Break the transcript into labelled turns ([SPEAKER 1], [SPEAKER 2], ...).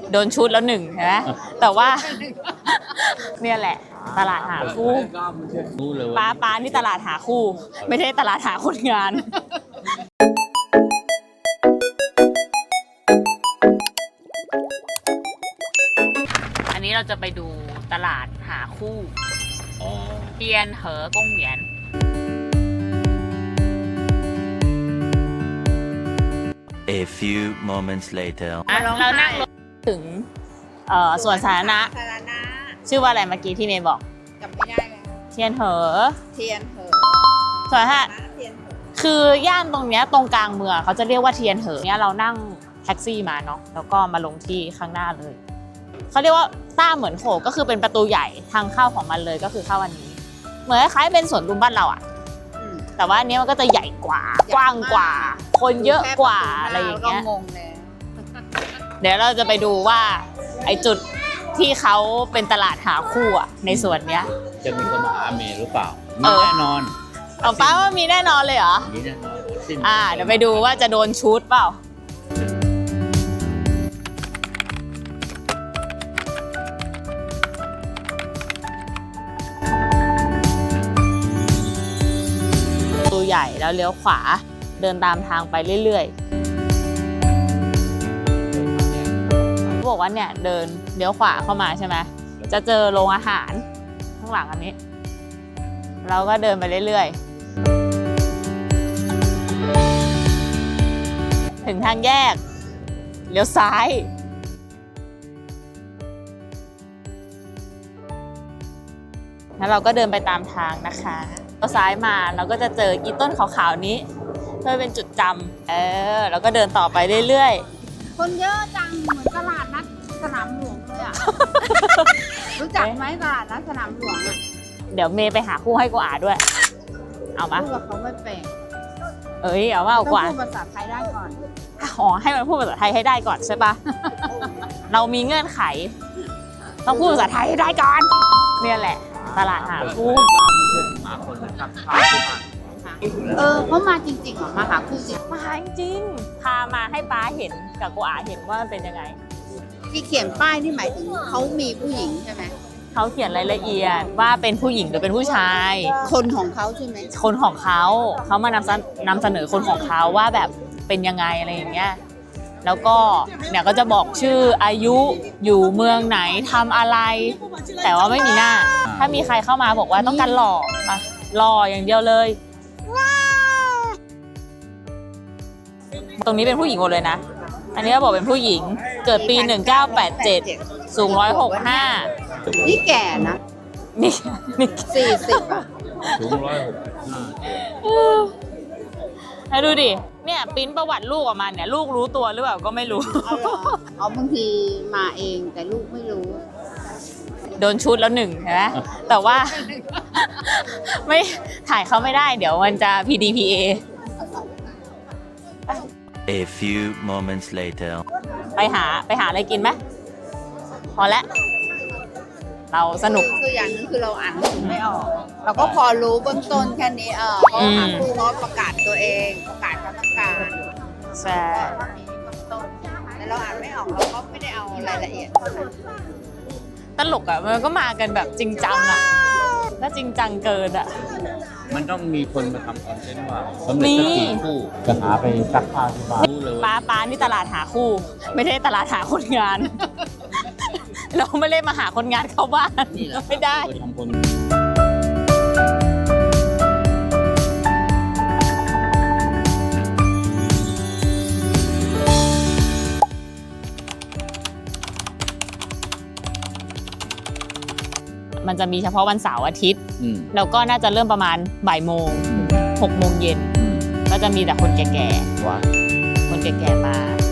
[SPEAKER 1] โดนชุดแล้วหนึ่งใช่ไหมแต่ว่าเนี่ยแหละตลาดหาคู่ป้านี่ตลาดหาคู่ไม่ใช่ตลาดหาคนงานอันนี้เราจะไปดูตลาดหาคู่เทียนเหอกงเหวียน
[SPEAKER 2] A few moments later
[SPEAKER 1] เรานั่งรถถึงสวนสาธารณะชื่อว่าอะไรเมื่อกี้ที่เมย์บอก
[SPEAKER 3] จำไม่ได้แล้ว
[SPEAKER 1] เทียนเหอ
[SPEAKER 3] เทียนเหอ
[SPEAKER 1] สวนสาธารณะคือย่านตรงเนี้ยตรงกลางเมืองเขาจะเรียกว่าเทียนเหอเนี้ยเรานั่งแท็กซี่มาเนาะแล้วก็มาลงที่ข้างหน้าเลยเขาเรียกว่าต้าเหมือนโขกก็คือเป็นประตูใหญ่ทางเข้าของมันเลยก็คือเข้าอันนี้เหมือนคล้ายเป็นสวนลุมบ้านเราอะแต่ว่าอันนี้มันก็จะใหญ่กว่ากว้างกว่าคนเยอะกว่าอะไรอย่างเงี้ยเดี๋ยวเราจะไปดูว่าไอจุดที่เขาเป็นตลาดหาคู่อะในส่วนเนี้ย
[SPEAKER 4] จะมีคนมาหาเมย์หรือเปล่ามีแน่นอน
[SPEAKER 1] เอาป้าว่ามีแน่นอนเลยเหรอ
[SPEAKER 4] มีแน่นอน
[SPEAKER 1] เดี๋ยวไปดูว่าจะโดนชุดเปล่าตัวใหญ่แล้วเลี้ยวขวาเดินตามทางไปเรื่อยๆบอกว่าเนี่ยเดินเลี้ยวขวาเข้ามาใช่ไหมจะเจอโรงอาหารข้างหลังอันนี้เราก็เดินไปเรื่อยๆถึงทางแยกเลี้ยวซ้ายแล้วเราก็เดินไปตามทางนะคะเลี้ยวซ้ายมาเราก็จะเจออีต้นขาวๆนี้เพื่อเป็นจุดจำเราก็เดินต่อไปเรื่อย
[SPEAKER 3] ๆคนเยอะจังเหมือนตลาดนัดสนามหลวงเลยอ่ะ รู้จักไหมตลาดนัดสนามหลวงอ่ะ
[SPEAKER 1] เดี๋ยวเมย์ไปหาคู่ให้กูอาด้วยเอามา
[SPEAKER 3] พูดกับเขาไม่เป็น
[SPEAKER 1] เอาว่าเอากว่า
[SPEAKER 3] ต้องพูดภาษาไทยได้ก่อน
[SPEAKER 1] ให้มันพูดภาษาไทยให้ได้ก่อนใช่ปะ เรามีเงื่อนไขต้องพูดภาษาไทยให้ได้ก่อนเนี่ยแหละตลาดหาคู่
[SPEAKER 4] หาคนมาทำข้าว
[SPEAKER 3] เขามาจริงๆเหรอมาหาคู่จริง
[SPEAKER 1] มาจริงพามาให้ป้าเห็นกับกูอาเห็นว่ามันเป็นยังไง
[SPEAKER 3] ที่เขียนป้ายนี่หมายถึงเขามีผู้หญิงใช่ไหม
[SPEAKER 1] เขาเขียนรายละเอียดว่าเป็นผู้หญิงหรือเป็นผู้ชาย
[SPEAKER 3] คนของเขาใช่ไหม
[SPEAKER 1] คนของเขามานำเสนอคนของเขาว่าแบบเป็นยังไงอะไรอย่างเงี้ยแล้วก็เนี่ยก็จะบอกชื่ออายุอยู่เมืองไหนทำอะไรแต่ว่าไม่มีหน้าถ้ามีใครเข้ามาบอกว่าต้องการหล่อมาหล่ออย่างเดียวเลยตรงนี้เป็นผู้หญิงหมดเลยนะอันนี้ก็บอกเป็นผู้หญิงเกิดปี1987สูง165
[SPEAKER 3] นี่แก่นะ
[SPEAKER 1] นี่
[SPEAKER 3] 40อ่ะ
[SPEAKER 4] สูง165
[SPEAKER 1] ให้ดูดิเนี่ยปริ้นประวัติลูกออกมาเนี่ยลูกรู้ตัวหรือเปล่าก็ไม่รู้
[SPEAKER 3] บางทีมาเองแต่ลูกไม่รู้
[SPEAKER 1] โดนชุดแล้วหนึ่งใช่ไหมแต่ว่าไม่ถ่ายเขาไม่ได้เดี๋ยวมันจะ PDPA
[SPEAKER 2] A few moments later
[SPEAKER 1] ไปหาอะไรกินไหมพอแล้วเราสนุก
[SPEAKER 3] คืออย่างนึงคือเราอ่านไม่ออกเราก็พอรู้เบื้องต้นแค่นี้เขาหาคู่เขาประกาศตัวเองประกาศความต้องการ
[SPEAKER 1] ใช่
[SPEAKER 3] แต่เราอ่านไม่ออกเราก็ไม่ได้เอารายละเอียด
[SPEAKER 1] ตลกอ่ะมันก็มากันแบบจริงจังอ่ะถ้าจริงจังเกินอ่ะ
[SPEAKER 4] มันต้องมีคนมาทำคอนเทนต์ว่าสำเร็จสักกี่คู่จะหาไปซักผ้าที่บ้านรู้เลย
[SPEAKER 1] ป้านี่ตลาดหาคู่ไม่ใช่ตลาดหาคนงานเราไม่ได้มาหาคนงานเข้าบ้านไม่ได้มันจะมีเฉพาะวันเสาร์อาทิตย์แล้วก็น่าจะเริ่มประมาณบ่ายโมง6 โมงเย็นก็จะมีแต่คนแก่ๆคนแก่ๆมา